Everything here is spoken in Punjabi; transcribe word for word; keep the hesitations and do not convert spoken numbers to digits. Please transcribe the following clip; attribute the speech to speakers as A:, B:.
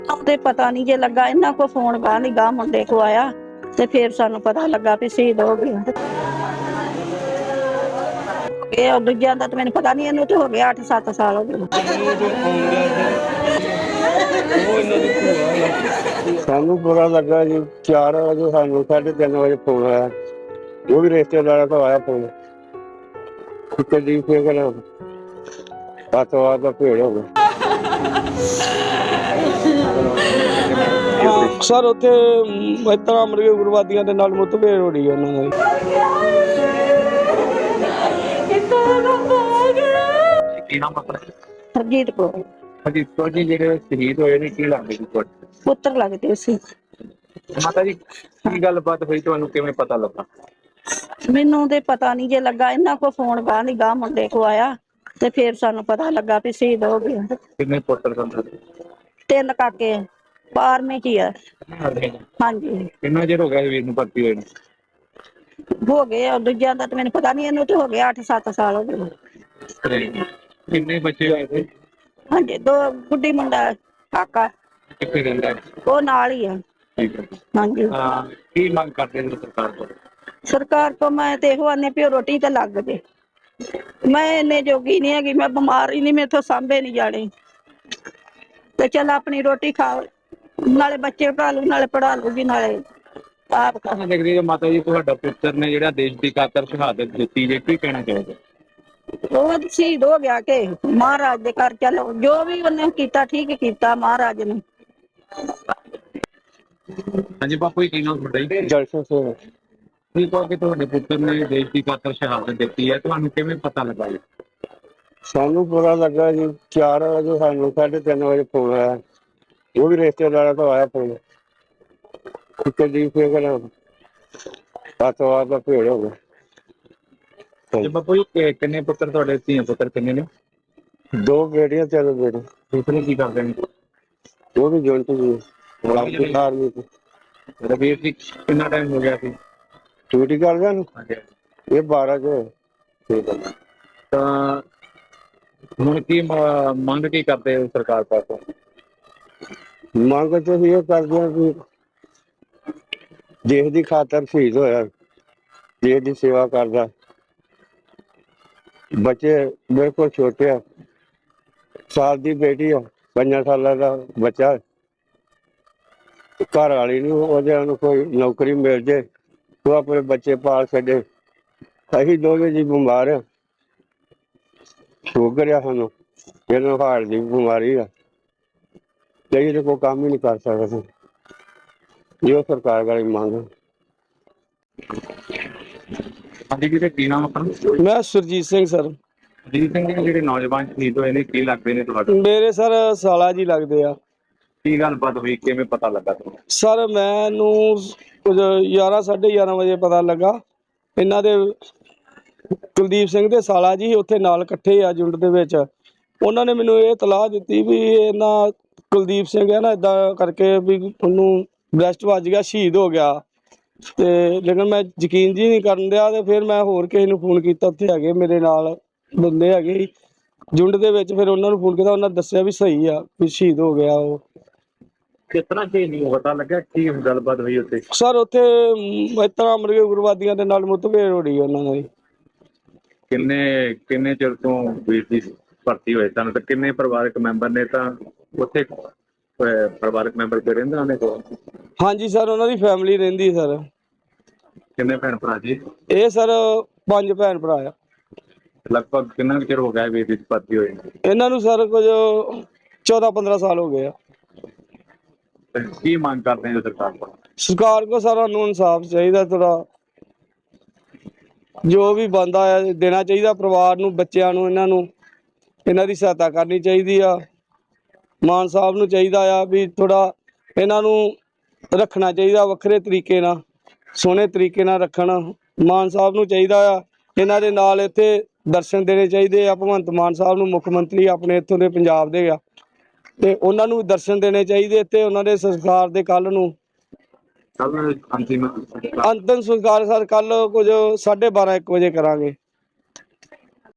A: ਤੇ ਪਤਾ ਨਹੀਂ ਜੇ ਲੱਗਾ, ਇਹਨਾਂ ਕੋ ਫੋਨ ਗਾਹ ਨਹੀਂ ਗਾਹ ਮੁੰਡੇ ਕੋ ਆਇਆ ਤੇ ਫਿਰ ਸਾਨੂੰ ਪਤਾ ਲੱਗਾ ਵੀ ਸ਼ਹੀਦ ਹੋ ਗਿਆ। ਇਹ ਦੂਜਿਆਂ ਦਾ ਤਾਂ ਮੈਨੂੰ ਪਤਾ ਨਹੀਂ, ਇਹਨੂੰ ਤੇ ਹੋ ਗਿਆ ਅੱਠ ਸੱਤ ਸਾਲ ਹੋ ਗਏ।
B: ਸਾਨੂੰ ਪਤਾ ਲੱਗਾ ਜੀ ਚਾਰ ਵਜੇ, ਸਾਨੂੰ ਸਾਢੇ ਤਿੰਨ ਵਜੇ ਫੋਨ ਆਇਆ, ਉਹ ਵੀ ਰਿਸ਼ਤੇਦਾਰਾਂ ਤੋਂ ਆਇਆ ਫੋਨ ਕਿ ਦੀ ਫਿਰ ਅੱਤਵਾਦ ਦਾ ਭੇੜ ਹੋ ਗਿਆ।
C: ਸਰ ਉੱਥੇ ਇਸ ਤਰ੍ਹਾਂ ਮਰਗੇ ਉਗਰਵਾਦੀਆਂ ਦੇ ਨਾਲ ਮੁੱਠਭੇੜ ਹੋ ਰਹੀ ਹੈ ਉਹਨਾਂ ਦੀ।
D: ਕੀ ਨਾਮ ਆਪਣਾ?
A: ਹਰਜੀਤ ਕੌਰ।
D: ਹਰਜੀਤ ਕੌਰ ਜੀ, ਜਿਹੜੇ ਸ਼ਹੀਦ ਹੋਏ ਨੇ ਕੀ ਲੱਗਦੇ ਜੀ ਤੁਹਾਡੇ?
A: ਪੁੱਤਰ ਲੱਗਦੇ ਸੀ।
D: ਮਾਤਾ ਜੀ ਕੀ ਗੱਲਬਾਤ ਹੋਈ, ਤੁਹਾਨੂੰ ਕਿਵੇਂ ਪਤਾ ਲੱਗਾ?
A: ਮੈਨੂੰ ਤੇ ਪਤਾ ਨਹੀਂ ਜੇ ਲੱਗਾ, ਇਹਨਾਂ ਕੋ ਫੋਨ ਗਾਹ ਨਹੀਂ ਗਾਹ ਮੁੰਡੇ ਕੋ ਆਇਆ ਤੇ ਫਿਰ ਸਾਨੂੰ ਪਤਾ ਲੱਗਾ ਵੀ ਸ਼ਹੀਦ ਹੋ ਗਿਆ।
D: ਕਿੰਨੇ ਪੁੱਤਰ ਸਨ?
A: ਤਿੰਨ ਕਾਕੇ, ਬਾਰਵੀਂ ਚ ਹੀ ਆ। ਹਾਂਜੀ।
D: ਕਿੰਨਾ ਚਿਰ ਹੋ ਗਿਆ ਵੀਰ ਨੂੰ ਭਰਤੀ ਹੋਏ ਨੂੰ?
A: ਹੋ ਗਏ ਆ, ਦੂਜਿਆਂ ਦਾ ਤਾਂ ਮੈਨੂੰ ਪਤਾ ਨਹੀਂ, ਇਹਨੂੰ ਤੇ ਹੋ ਗਿਆ ਅੱਠ ਸੱਤ ਸਾਲ ਹੋ ਗਏ।
D: ਕਿੰਨੇ ਬੱਚੇ ਹੋਏ ਸੀ?
A: ਹਾਂਜੀ, ਦੋ ਗੁੱਡੀ ਮੁੰਡਾ ਕਾਕਾ,
D: ਕਿੱਥੇ ਰਹਿੰਦਾ?
A: ਉਹ ਨਾਲ ਹੀ ਆ।
D: ਠੀਕ ਹੈ।
A: ਹਾਂਜੀ।
D: ਹਾਂ, ਕੀ ਮੰਗ ਕਰਦੇ ਨੇ ਸਰਕਾਰ ਤੋਂ?
A: ਸਰਕਾਰ ਤੋਂ ਮੈਂ ਤੇ ਇਹੋ ਆਨੇ ਵੀ ਰੋਟੀ ਤੇ ਲੱਗ ਜੇ। ਮੈਂ ਇੰਨੇ ਜੋਗੀ ਨਹੀਂ ਹੈਗੀ, ਮੈਂ ਬਿਮਾਰ ਹੀ ਨਹੀਂ, ਮੈਥੋਂ ਸਾਂਭੇ ਨਹੀਂ ਜਾਣੇ ਤੇ ਚੱਲ ਆਪਣੀ ਰੋਟੀ ਖਾਓ, ਨਾਲੇ ਬੱਚੇ ਪੜ੍ਹਾ ਲੂ, ਨਾਲੇ ਪੜ੍ਹਾ ਲੂਗੀ, ਨਾਲੇ ਆਪ
D: ਕਹਿਣਾ ਦੇਖਦੀ ਹੈ ਮਾਤਾ ਜੀ, ਤੁਹਾਡਾ ਪੁੱਤਰ ਨੇ ਜਿਹੜਾ ਦੇਸ਼ ਦੀ ਖਾਤਰ ਸ਼ਹਾਦਤ ਦਿੱਤੀ, ਜੇ ਕੀ ਕਹਿਣਾ ਚਾਹੋਗੇ?
A: ਉਹ ਸ਼ਹੀਦ ਹੋ ਗਿਆ ਕਿ ਮਹਾਰਾਜ ਦੇ ਘਰ ਚਲੋ, ਜੋ ਵੀ ਉਹਨੇ ਕੀਤਾ ਠੀਕ ਕੀਤਾ ਮਹਾਰਾਜ ਨੇ।
D: ਹਾਂਜੀ ਬਾਪੂ ਜੀ, ਕੀ ਨਾਮ ਤੁਹਾਡਾ ਜੀ?
B: ਜਲਸਾ ਸਿੰਘ।
D: ਕੀ ਕਹੋ ਕਿ ਤੁਹਾਡੇ ਪੁੱਤਰ ਨੇ ਦੇਸ਼ ਦੀ ਖਾਤਰ ਸ਼ਹਾਦਤ ਦਿੱਤੀ ਹੈ, ਤੁਹਾਨੂੰ ਕਿਵੇਂ ਪਤਾ ਲੱਗਾ ਜੀ?
B: ਸਾਨੂੰ ਪਤਾ ਲੱਗਾ ਜੀ ਚਾਰ ਵਜੇ, ਸਾਨੂੰ ਸਾਢੇ ਤਿੰਨ ਵਜੇ ਫੋਨ ਆਇਆ, ਉਹ ਵੀ ਰਿਸ਼ਤੇਦਾਰਾਂ ਤੋਂ ਆਇਆ ਫੋਨ ਕਿ ਦੀ ਫਿਰ ਅੱਤਵਾਦ ਦਾ ਭੇੜ ਹੋ ਗਿਆ।
D: ਜੀ ਬਾਪੂ ਜੀ, ਕਿੰਨੇ ਪੁੱਤਰ ਤੁਹਾਡੇ? ਧੀਆਂ ਪੁੱਤਰ ਕਿੰਨੇ ਨੇ?
B: ਦੋ ਬੇਟੀਆਂ, ਤਿੰਨ ਬੇਟੇ।
D: ਦੂਸਰੇ ਕੀ ਕਰਦੇ ਨੇ?
B: ਉਹ ਵੀ ਜੁਆਇੰਟ ਜੀ ਆਰਮੀ ਚ।
D: ਰਵੀਰ ਜੀ ਕਿੰਨਾ ਟਾਈਮ ਹੋ ਗਿਆ ਸੀ
B: ਡਿਊਟੀ ਕਰਦਿਆਂ ਨੂੰ?
D: ਹਾਂਜੀ।
B: ਇਹ ਬਾਰਾਂ ਚ।
D: ਠੀਕ ਹੈ। ਤਾਂ ਹੁਣ ਕੀ ਮ- ਮੰਗ ਕੀ ਕਰਦੇ ਹੋ ਸਰਕਾਰ ਪਾਸੋਂ?
B: ਮੰਗ ਤੇ ਅਸੀਂ ਇਹ ਕਰਦੇ ਹਾਂ ਕਿ ਦੇਸ਼ ਦੀ ਖਾਤਰ ਸ਼ਹੀਦ ਹੋਇਆ, ਦੇਸ਼ ਦੀ ਸੇਵਾ ਕਰਦਾ। ਬੱਚੇ ਬਿਲਕੁਲ ਛੋਟੇ ਆ, ਸਾਲ ਦੀ ਬੇਟੀ ਆ, ਪੰਜਾਂ ਸਾਲਾਂ ਦਾ ਬੱਚਾ। ਘਰ ਵਾਲੀ ਨੂੰ ਉਹਦੇ ਨੂੰ ਕੋਈ ਨੌਕਰੀ ਮਿਲ ਜੇ, ਉਹ ਆਪਣੇ ਬੱਚੇ ਪਾਲ ਛੱਡੇ। ਅਸੀਂ ਦੋਵੇਂ ਜੀ ਬਿਮਾਰ ਆ, ਸ਼ੂਗਰ ਆ ਸਾਨੂੰ, ਇਹਨੂੰ ਹਾਰਟ ਦੀ ਬਿਮਾਰੀ ਆ, ਤੇ ਇਹਦੇ ਕੋਈ ਕੰਮ ਹੀ ਨਹੀਂ ਕਰ ਸਕਦੇ। ਇਹ ਸਰਕਾਰ ਵਾਲੀ ਮੰਗ।
D: ਹਾਂਜੀ ਵੀਰੇ, ਕੀ ਨਾਮ ਆਪਣਾ?
C: ਮੈਂ ਸੁਰਜੀਤ ਸਿੰਘ ਸਰ।
D: ਅਜੀਤ ਸਿੰਘ ਜੀ, ਜਿਹੜੇ ਨੌਜਵਾਨ ਸ਼ਹੀਦ ਹੋਏ ਨੇ ਕੀ ਲੱਗਦੇ ਨੇ ਤੁਹਾਡੇ?
C: ਮੇਰੇ ਸਰ ਸਾਲਾ ਜੀ ਲੱਗਦੇ ਆ।
D: ਕੀ ਗੱਲਬਾਤ ਹੋਈ, ਕਿਵੇਂ ਪਤਾ ਲੱਗਾ ਤੁਹਾਨੂੰ?
C: ਸਰ ਮੈਨੂੰ ਕੁਝ ਗਿਆਰਾਂ ਸਾਢੇ ਗਿਆਰਾਂ ਵਜੇ ਪਤਾ ਲੱਗਾ, ਇਹਨਾਂ ਦੇ ਕੁਲਦੀਪ ਸਿੰਘ ਦੇ ਸਾਲਾ ਜੀ ਉੱਥੇ ਨਾਲ ਇਕੱਠੇ ਆ ਝੁੰਡ ਦੇ ਵਿੱਚ। ਉਹਨਾਂ ਨੇ ਮੈਨੂੰ ਇਹ ਇਤਲਾਹ ਦਿੱਤੀ ਵੀ ਇਹਨਾਂ ਕੁਲਦੀਪ ਸਿੰਘ ਹੈ ਨਾ, ਏਦਾਂ ਕਰਕੇ ਵੀ ਉਹਨੂੰ ਬ੍ਰੈਸਟ ਵੱਜ ਗਿਆ, ਸ਼ਹੀਦ ਹੋ ਗਿਆ। ਤੇ ਲੇਕਿਨ ਮੈਂ ਯਕੀਨ ਜੀ ਨਹੀਂ ਕਰਨ ਦਿਆ, ਤੇ ਫਿਰ ਮੈਂ ਹੋਰ ਕਿਸੇ ਨੂੰ ਫੋਨ ਕੀਤਾ, ਉੱਥੇ ਹੈਗੇ ਮੇਰੇ ਨਾਲ ਬੰਦੇ ਹੈਗੇ ਝੁੰਡ ਦੇ ਵਿੱਚ, ਫਿਰ ਉਹਨਾਂ ਨੂੰ ਫੋਨ ਕੀਤਾ, ਉਹਨਾਂ ਦੱਸਿਆ ਵੀ ਸਹੀ ਆ, ਵੀ ਸ਼ਹੀਦ ਹੋ ਗਿਆ ਉਹ।
D: ਕਿਸ ਤਰ੍ਹਾਂ ਚੀਜ਼ ਨਹੀਂ ਪਤਾ ਲੱਗਾ, ਕੀ ਗੱਲਬਾਤ ਹੋਈ ਉੱਥੇ?
C: ਸਰ ਉੱਥੇ ਇਸ ਤਰ੍ਹਾਂ ਮਰਗੇ ਉਗਰਵਾਦੀਆਂ ਦੇ ਨਾਲ ਮੁੱਠਭੇੜ ਹੋ ਰਹੀ ਹੈ ਉਹਨਾਂ ਦੀ।
D: ਕਿੰਨੇ ਕਿੰਨੇ ਚਿਰ ਤੋਂ ਵੀਰ ਦੀ ਭਰਤੀ ਹੋਏ ਸਨ, ਤੇ ਕਿੰਨੇ ਪਰਿਵਾਰਕ ਮੈਂਬਰ ਨੇ ਤਾਂ ਉੱਥੇ? ਅਹ ਪਰਿਵਾਰਕ ਮੈਂਬਰ ਤੇ ਰਹਿੰਦੇ ਉਹਨੇ ਕੋਲ?
C: ਹਾਂਜੀ ਸਰ, ਉਹਨਾਂ ਦੀ ਫੈਮਿਲੀ ਰਹਿੰਦੀ ਸਰ।
D: ਕਿੰਨੇ ਭੈਣ ਭਰਾ ਜੀ?
C: ਇਹ ਸਰ ਪੰਜ ਭੈਣ ਭਰਾ ਆ।
D: ਲਗਭਗ ਕਿੰਨਾ ਕੁ ਚਿਰ ਹੋ ਗਿਆ ਵੀਰ ਦੀ ਭਰਤੀ ਹੋਏ?
C: ਇਹਨਾਂ ਨੂੰ ਸਰ ਕੁਝ ਚੌਦਾਂ ਪੰਦਰਾਂ ਸਾਲ ਹੋ ਗਏ ਆ।
D: ਤੇ ਕੀ ਮੰਗ ਕਰਦੇ ਹੋ ਸਰਕਾਰ ਕੋਲ?
C: ਸਰਕਾਰ ਕੋ ਸਾਰਾ ਨੂੰ ਇਨਸਾਫ ਚਾਹੀਦਾ, ਥੋੜਾ ਜੋ ਵੀ ਬਣਦਾ ਆ ਦੇਣਾ ਚਾਹੀਦਾ ਪਰਿਵਾਰ ਨੂੰ, ਬੱਚਿਆਂ ਨੂੰ, ਇਹਨਾਂ ਨੂੰ ਇਹਨਾਂ ਦੀ ਸਹਾਇਤਾ ਕਰਨੀ ਚਾਹੀਦੀ ਆ। ਮਾਨ ਸਾਹਿਬ ਨੂੰ ਚਾਹੀਦਾ ਆ ਵੀ ਥੋੜਾ ਇਹਨਾਂ ਨੂੰ ਰੱਖਣਾ ਚਾਹੀਦਾ ਵੱਖਰੇ ਤਰੀਕੇ ਨਾਲ, ਸੋਹਣੇ ਤਰੀਕੇ ਨਾਲ ਰੱਖਣ। ਮਾਨ ਸਾਹਿਬ ਨੂੰ ਚਾਹੀਦਾ ਆ ਇਹਨਾਂ ਦੇ ਨਾਲ ਇੱਥੇ ਦਰਸ਼ਨ ਦੇਣੇ ਚਾਹੀਦੇ ਆ। ਭਗਵੰਤ ਮਾਨ ਸਾਹਿਬ ਨੂੰ, ਮੁੱਖ ਮੰਤਰੀ ਆਪਣੇ ਇੱਥੋਂ ਦੇ ਪੰਜਾਬ ਦੇ ਆ, ਤੇ ਉਹਨਾਂ ਨੂੰ ਦਰਸ਼ਨ ਦੇਣੇ ਚਾਹੀਦੇ ਤੇ ਉਹਨਾਂ ਦੇ ਸੰਸਕਾਰ ਦੇ ਕੱਲ ਨੂੰ
D: ਕੱਲ ਅੰਤਿਮ
C: ਅੰਤਿਮ ਸੰਸਕਾਰ ਸਰ ਕੱਲ ਕੁਝ ਸਾਢੇ ਬਾਰਾਂ ਇੱਕ ਵਜੇ ਕਰਾਂਗੇ।